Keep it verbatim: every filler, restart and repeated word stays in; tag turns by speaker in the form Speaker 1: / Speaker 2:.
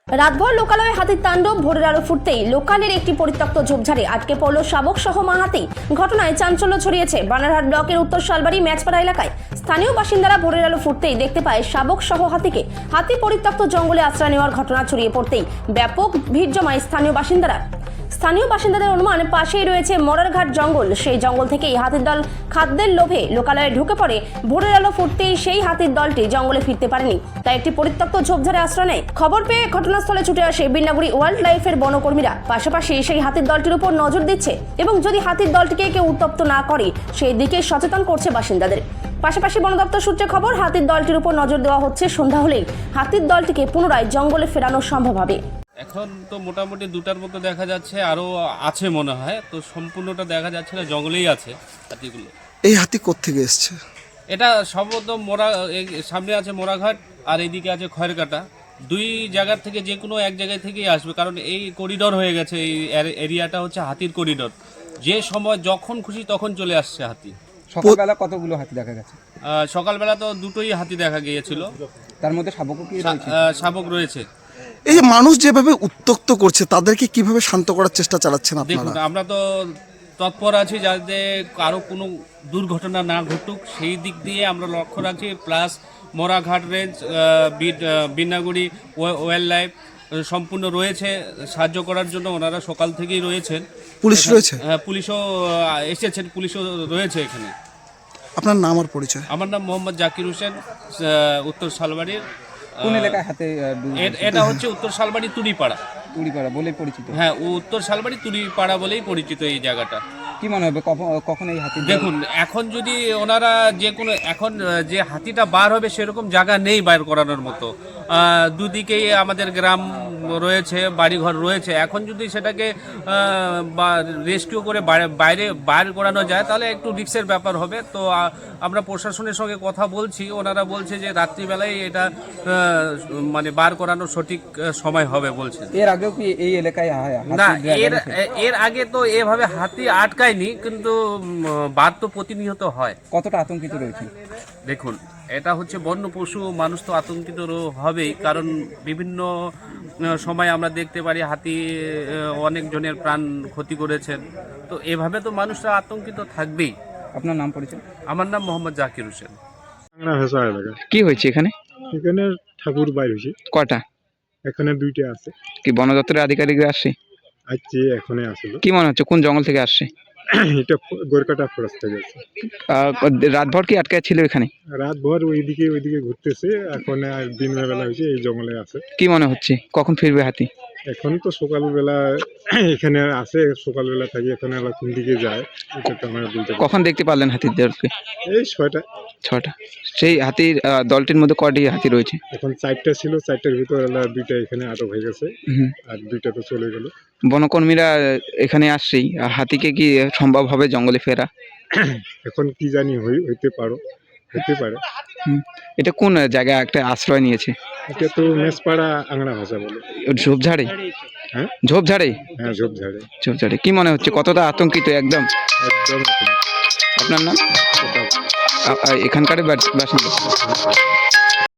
Speaker 1: রাতভর লোকালয়ে হাতির তাণ্ডব। ভোরের আলো ফুটতেই লোকালের একটি পরিত্যক্ত ঝোপঝাড়ে আটকে পড়ল শাবক সহ মা হাতি। ঘটনায় চাঞ্চল্য ছড়িয়েছে বানারহাট ব্লকের উত্তর শালবাড়ি ম্যাচপাড়া এলাকায়। স্থানীয় বাসিন্দারা ভোরের আলো ফুটতেই দেখতে পায় শাবক সহ হাতিকে। হাতি পরিত্যক্ত জঙ্গলে আশ্রয় নেওয়ার ঘটনা ছড়িয়ে পড়তেই ব্যাপক ভিড় জমায় স্থানীয় বাসিন্দারা। স্থানীয় বাসিন্দাদের অনুমান পাশেই রয়েছে মরারঘাট জঙ্গল। সেই জঙ্গল থেকেই হাতির দল খাদ্যের লোভে লোকালয়ে ঢুকে পড়ে। ভোরের আলো ফুটতেই সেই হাতির দলটি জঙ্গলে ফিরতে পারেনি, তাই একটি পরিত্যক্ত ঝোপঝাড়ে আশ্রয় নেয়। খবর পেয়ে ঘটনাস্থলে ছুটে আসে বিন্নাগুড়ি ওয়াইল্ড লাইফের বনকর্মীরা। পাশাপাশি সেই হাতির দলটির উপর নজর দিচ্ছে এবং যদি হাতির দলটিকে কেউ উত্তপ্ত না করে সেই দিকে সচেতন করছে বাসিন্দাদের। পাশাপাশি বন দপ্তর সূত্রে খবর, হাতির দলটির উপর নজর দেওয়া হচ্ছে। সন্ধ্যা হলেই হাতির দলটিকে পুনরায় জঙ্গলে ফেরানো সম্ভব হবে।
Speaker 2: এখন তো মোটামুটি দুটার মতো দেখা যাচ্ছে, আরও আছে মনে হয়, তো সম্পূর্ণটা দেখা যাচ্ছে না, জঙ্গলেই আছে হাতিগুলো।
Speaker 3: এই হাতি কোত্থেকে এসছে?
Speaker 2: এটা সম্ভবত মোরা এই সামনে আছে মোরাঘাট আর এইদিকে আছে খয়েরকাটা। দুই জায়গার থেকে যে কোনো এক জায়গায় থেকেই আসবে, কারণ এই করিডোর হয়ে গেছে। এই এরিয়াটা হচ্ছে হাতির করিডোর, যে সময় যখন খুশি তখন চলে আসছে হাতি।
Speaker 4: সকালবেলা কতগুলো হাতি দেখা গেছে?
Speaker 2: আহ, সকালবেলা তো দুটোই হাতি দেখা গিয়েছিল,
Speaker 4: তার মধ্যে শাবকও কি রয়েছে?
Speaker 2: আহ, শাবক রয়েছে।
Speaker 3: এই যে মানুষ যেভাবে উত্তক্ত করছে তাদেরকে কিভাবে শান্ত করার চেষ্টা চালাচ্ছেন
Speaker 2: দেখুন,
Speaker 3: আপনারা?
Speaker 2: আমরা তো তৎপর আছি যাতে কারো কোনো দুর্ঘটনা না ঘটুক, সেই দিক দিয়ে আমরা লক্ষ্য রাখছি। Plus Moraghat range, Binnaguri wildlife সম্পূর্ণ রয়েছে সাহায্য করার জন্য। ওনারা সকাল থেকেই রয়েছেন।
Speaker 3: পুলিশ রয়েছে?
Speaker 2: হ্যাঁ, পুলিশও আহ, এসেছেন, পুলিশও রয়েছে এখানে।
Speaker 3: আপনার নাম আর পরিচয়?
Speaker 2: আমার নাম মোহাম্মদ জাকির হোসেন, আহ, উত্তর শালবাড়ির।
Speaker 4: কোন এলাকায় হাতে ডুব-
Speaker 2: এ- এটা হচ্ছে উত্তর শালবাড়ি তুড়িপাড়া।
Speaker 4: তুড়িপাড়া বলে পরিচিত?
Speaker 2: হ্যাঁ, উত্তর শালবাড়ি তুড়িপাড়া বলেই পরিচিত এই জায়গাটা।
Speaker 4: কি মনে হবে কখন- কখন এই হাতি?
Speaker 2: দেখুন, এখন যদি ওনারা যে কোনো এখন আহ, যে হাতিটা বার হবে সেরকম জায়গা নেই বাইর করানোর মতো। আহ, দুদিকেই আমাদের গ্রাম রয়েছে, বাড়িঘর রয়েছে। এখন যদি সেটাকে রেস্কিউ করে বাইরে- বাইরে বাইর করানো যায় তাহলে একটু রিস্কের ব্যাপার হবে। তো আহ, আমরা প্রশাসনের সঙ্গে কথা বলছি, ওনারা বলছে যে রাত্রিবেলায় এটা আহ, মানে বার করানোর সঠিক আহ, সময় হবে বলছে।
Speaker 4: এর আগেও কি এই এলাকায় হা- হাতি
Speaker 2: না,
Speaker 4: দেখা
Speaker 2: এর
Speaker 4: গেছে?
Speaker 2: এর আগে তো এভাবে হাতি আটকায়নি, কিন্তু উম, বার তো প্রতিনিয়ত হয়।
Speaker 4: কতটা আতঙ্কিত রয়েছে?
Speaker 2: দেখুন, এটা হচ্ছে বন্য পশু, মানুষ তো আতঙ্কিত রো- হবেই, কারণ বিভিন্ন আহ, সময় আমরা দেখতে পারি হাতি আহ, অনেক জনের প্রাণ ক্ষতি করেছেন। তো এভাবে তো মানুষরা আতঙ্কিত থাকবেই।
Speaker 4: আপনার নাম পরিচয়?
Speaker 2: আমার নাম মোহাম্মদ জাকির হোসেন।
Speaker 5: বাংলা ভাষা এলাকা।
Speaker 4: কি হয়েছে এখানে?
Speaker 5: এখানে ঠাকুর বাইর হয়েছে,
Speaker 4: কটা?
Speaker 5: এখানে দুইটা আছে।
Speaker 4: কি বন দপ্তরের আধিকারিকরা আসছে?
Speaker 5: আজকে এখানে আসলো।
Speaker 4: কি মনে হচ্ছে কোন জঙ্গল থেকে আসছে?
Speaker 5: এটা গোরকাটা ফরেস্ট থেকে আছে।
Speaker 4: আহ, রাতভর কি আটকে ছিল এখানে?
Speaker 5: রাত ভর ওইদিকে ওইদিকে ঘুরতেছে, এখন আর দিনের বেলা হয়েছে এই জঙ্গলে আছে।
Speaker 4: কি মনে হচ্ছে কখন ফিরবে হাতি?
Speaker 5: এখন তো সকালবেলা এখানে আছে, সকালবেলা থাকি, এখানে আবার কোন দিকে যায় এটা তো আমরা বলতে পারি না।
Speaker 4: কখন দেখতে পারলেন হাতির দলকে?
Speaker 5: এই ছয়টা।
Speaker 4: ছটা। সেই হাতির আহ, দলটির মধ্যে কটি হাতি রয়েছে?
Speaker 5: এখন চারটা ছিল, চারটার ভিতরে দুইটা এখানে আটক হয়ে গেছে,
Speaker 4: হুম।
Speaker 5: আর দুইটা তো চলে গেল।
Speaker 4: বনকর্মীরা এখানে আসছেই, আর হাতিকে কি সম্ভব হবে জঙ্গলে ফেরা?
Speaker 5: এখন কি জানি হই- হইতে পারো হইতে পারে।
Speaker 4: হুম। এটা কোন জায়গায় একটা আশ্রয় নিয়েছে?
Speaker 5: এটা তো মেসপাড়া আংড়া ভাষা বলে।
Speaker 4: ঝোপঝাড়ে?
Speaker 5: হ্যাঁ
Speaker 4: ঝোপঝাড়ে?
Speaker 5: হ্যাঁ, ঝোপঝাড়ে।
Speaker 4: ঝোপঝাড়ে। কি মনে হচ্ছে কতটা আতঙ্কিত একদম?
Speaker 5: একদম
Speaker 4: আপনার নাম?
Speaker 5: এটা
Speaker 4: আ- আ- এখানকার বাসিন্দা?